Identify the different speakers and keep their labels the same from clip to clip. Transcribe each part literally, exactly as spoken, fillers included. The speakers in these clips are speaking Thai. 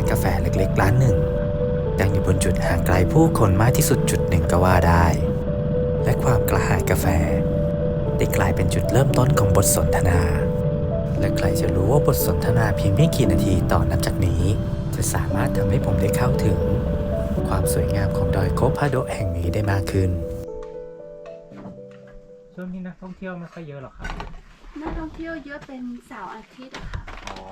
Speaker 1: กาแฟเล็กๆร้านหนึ่งตั้งอยู่บนจุดห่างไกลผู้คนมากที่สุดจุดหนึ่งก็ว่าได้และความกระหายกาแฟได้กลายเป็นจุดเริ่มต้นของบทสนทนาและใครจะรู้ว่าบทสนทนาเพียงไม่กี่นาทีต่อนับจากนี้จะสามารถทำให้ผมได้เข้าถึงความสวยงามของดอยโคพาโดะแห่งนี้ได้มากขึ้น
Speaker 2: ช่วงนี้นักท่องเที่ยวไม่ค่อยเยอะหรอกครับ
Speaker 3: นักท่องเที่ยวเยอะเป็นเสาร์อาทิตย์อะค่ะ
Speaker 2: อ๋อ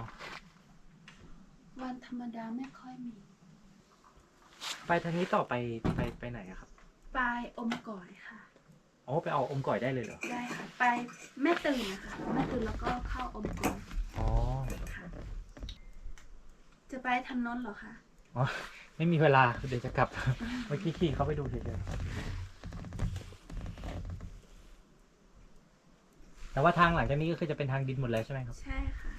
Speaker 3: วันธรรมดาไม่ค่อยมี
Speaker 2: ไปทางนี้ต่อไปไปไปไหนอะครับ
Speaker 3: ไปอมก่อยค่ะ
Speaker 2: อ๋อไปเอาอมก่อยได้เลยเหรอ
Speaker 3: ได้ค่ะไปแม่ตื่นนะคะแม่ตื่นแล้วก็เข้าอมก่อย
Speaker 2: อ๋อ
Speaker 3: ค่ะจะไปทางโน้นเหรอคะ
Speaker 2: อ๋อไม่มีเวลาเดี๋ยวจะกลับเมื่อกี้ขี่เขาไปดูเฉยๆแต่ว่าทางหลังจากนี้ก็คือจะเป็นทางดินหมดเลยใช่ไหมครับ
Speaker 3: ใช่ค่ะ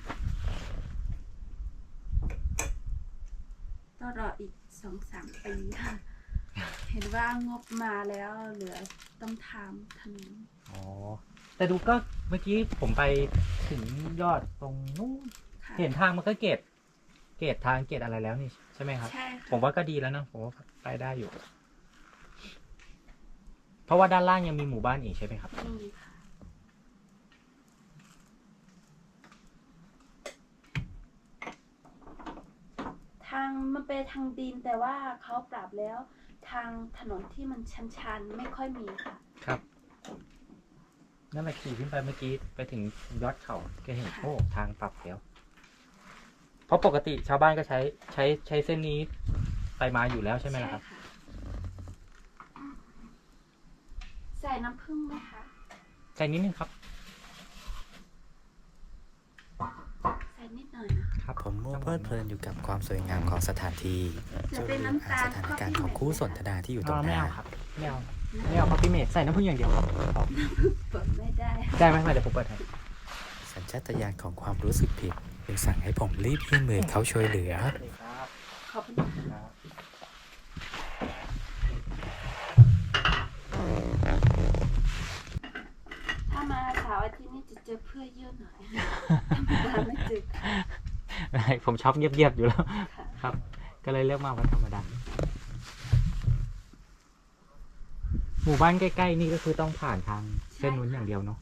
Speaker 3: ต้องรออีกสองสามปีค่ะเห็นว่างบมาแล้วเหลือต้องทำถนน
Speaker 2: อ๋อแต่ดูก็เมื่อกี้ผมไปถึงยอดตรงนู้นเห็นทางมันก็เกตเกตทางเกตอะไรแล้วนี่ใช่ไหมครับ
Speaker 3: ใช่ค่ะ
Speaker 2: ผมว่าก็ดีแล้วนะผมว่าไปได้อยู่เพราะว่าด้านล่างยังมีหมู่บ้านอีกใช่ไหมครับ
Speaker 3: มีค่ะทางมันเป็นทางดินแต่ว่าเขาปรับแล้วทางถนนที่มันชันๆไม่ค่อยมีค่ะ
Speaker 2: ครับนั่นแหละขี่ขึ้นไปเมื่อกี้ไปถึงยอดเขาก็เห็นโอ้ทางปรับแล้วเพราะปกติชาวบ้านก็ใช้ใช้ใช้เส้นนี้ไปมาอยู่แล้วใช่ไหมล่ะครับ
Speaker 3: ใส่น้ำผึ้งไหมคะ
Speaker 2: ใส่นิดนึงครับ
Speaker 3: ใส่นิดหน่อยนะครับ
Speaker 1: ผมมัวเพลิดเพลินอยู่กับความสวยงามของสถานที่จนลืมอ่านสถานการณ์ของคู่สนทนาที่อยู่ตรงหน้า
Speaker 2: ไม่เอาครับไม่เอาไม่เอาคอฟฟี่เมดใส่น้ำผึ้งอย่างเดียว
Speaker 3: เปิดไม่ได้
Speaker 2: ได้ไหมเดี๋ยวผมเปิดให้
Speaker 1: สัญชาตญาณของความรู้สึกผิดจึงสั่งให้ผมรีบยื่นมือเขาช่วยเหลือ
Speaker 3: ขอบคุณครับถ้ามาเสาร์อาทิตย์นี้จะเจอเพื่อเยอะหน่อยธรรมดาไม่เจอ
Speaker 2: ผมชอบเงียบๆอยู่แล้วครับก็เลยเลือกมาวันธรรมดาหมู่บ้านใกล้ๆนี่ก็คือต้องผ่านทางเส้นนู้นอย่างเดียวเนาะ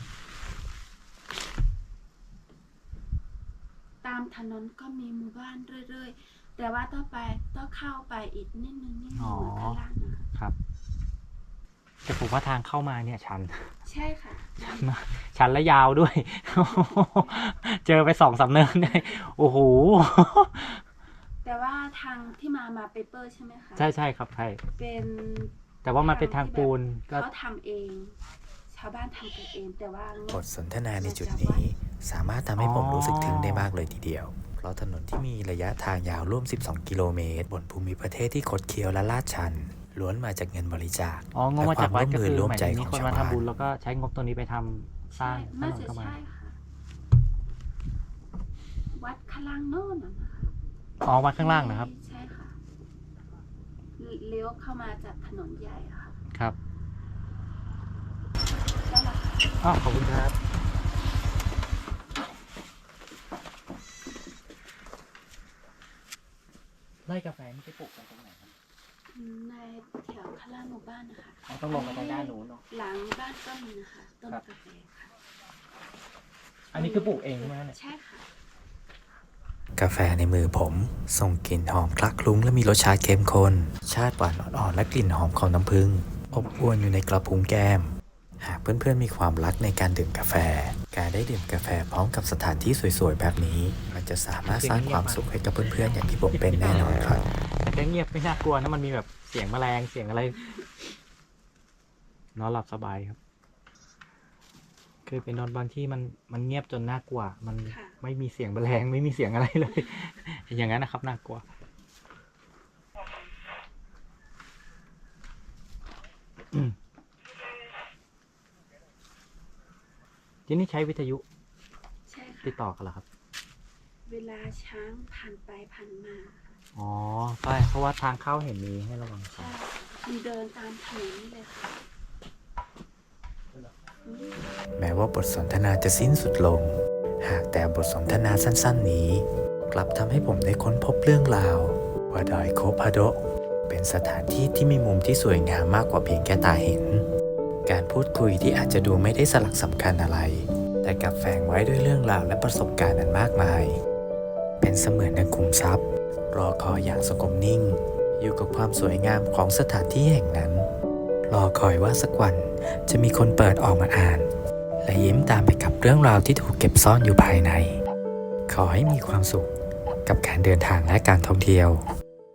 Speaker 3: ตามถนนก็มีหมู่บ้านเรื่อยๆแต่ว่าต้องไปต้องเข้าไปอีกนิดนึงนิดนึงเหมือนข้างล่างนะครับ
Speaker 2: แต่ผมว่าทางเข้ามาเนี่ยชัน
Speaker 3: ใช่ค่ะ
Speaker 2: ชันมากชันและยาวด้วยเจอไปสองสามเนินได้โอ้โห
Speaker 3: แต่ว่าทางที่มามาเปเปอร์ใช่ไหมคะ
Speaker 2: ใช่ใช่ครับใช่
Speaker 3: เป็น
Speaker 2: แต่ว่ามันเป็นทางปูน
Speaker 3: เขาทำเองชาวบ้านทำกันเองแต่ว่า
Speaker 1: บทสนทนาในจุดนี้สามารถทำให้ผมรู้สึกถึงได้มากเลยทีเดียวเพราะถนนที่มีระยะทางยาวร่วมสิบสองกิโลเมตรบนภูมิประเทศที่คดเคี้ยวและลาดชันล้วนมาจากเงินบริจาค
Speaker 2: และความร่วมมือร่วมใจ
Speaker 1: ของชาวบ้าน
Speaker 2: แล้วก็ใช้งบตัวนี้ไปทำสร้างถนนเข้ามา
Speaker 3: วัดข้างล่างโน่นนะคะ
Speaker 2: อ๋อวัดข้างล่างนะครับ
Speaker 3: ใช่ค่ะเลี้ยวเข้ามาจากถนนใหญ่ค่ะ
Speaker 2: ครับอ๋อขอบคุณครับไร่กาแฟนี่ไปปลูกกันตรงไหนครับ
Speaker 3: ในแถวข้างล่างหมู่บ้านนะคะ
Speaker 2: ต้องลงไปทางด้านนู้นเนาะ
Speaker 3: หลังบ้านก็มีนะคะต้นกาแฟค่ะ
Speaker 2: อันนี้คือปลูกเองใช่ไหมเนี่ย
Speaker 3: ใช่ค่ะ
Speaker 1: กาแฟในมือผมส่งกลิ่นหอมคลักคลุ้งและมีรสชาติเข้มข้นชาติหวานอ่อนๆและกลิ่นหอมของน้ำผึ้งอบอวลอยู่ในกระพุ้งแก้มหากเพื่อนๆมีความรักในการดื่มกาแฟการได้ดื่มกาแฟพร้อมกับสถานที่สวยๆแบบนี้มันจะสามารถสร้างความสุขให้กับเพื่อนๆอย่างที่ผมเป็นแน่นอนครับ
Speaker 2: แต่เงียบไม่น่ากลัวนะมันมีแบบเสียงแมลงเสียงอะไรนอนหลับสบายครับคือไปนอนบางที่มันมันเงียบจนน่ากลัวมันไม่มีเสียงแมลงไม่มีเสียงอะไรเลยอย่างนั้นนะครับน่ากลัวที่นี่ใช้วิทยุติดต่อกันเหรอครับ
Speaker 3: เวลาช้างผ่านไปผ่านมา
Speaker 2: อ๋อใช่เพราะว่าทางเข้าเห็นมีให้ระวัง
Speaker 3: ใช่มีเดินตามถนนนี่เลยค่ะ
Speaker 1: แม้ว่าบทสนทนาจะสิ้นสุดลงหากแต่บทสนทนาสั้นๆนี้กลับทำให้ผมได้ค้นพบเรื่องราวว่าดอยโคพาโดะเป็นสถานที่ที่มีมุมที่สวยงามมากกว่าเพียงแค่ตาเห็นการพูดคุยที่อาจจะดูไม่ได้สลักสำคัญอะไรแต่กลับแฝงไว้ด้วยเรื่องราวและประสบการณ์อันมากมายเป็นเสมือนดังคุมทรัพย์รอคอยอย่างสงบนิ่งอยู่กับความสวยงามของสถานที่แห่งนั้นรอคอยว่าสักวันจะมีคนเปิดออกมาอ่านและยิ้มตามไปกับเรื่องราวที่ถูกเก็บซ่อนอยู่ภายในขอให้มีความสุขกับการเดินทางและการท่องเที่ยว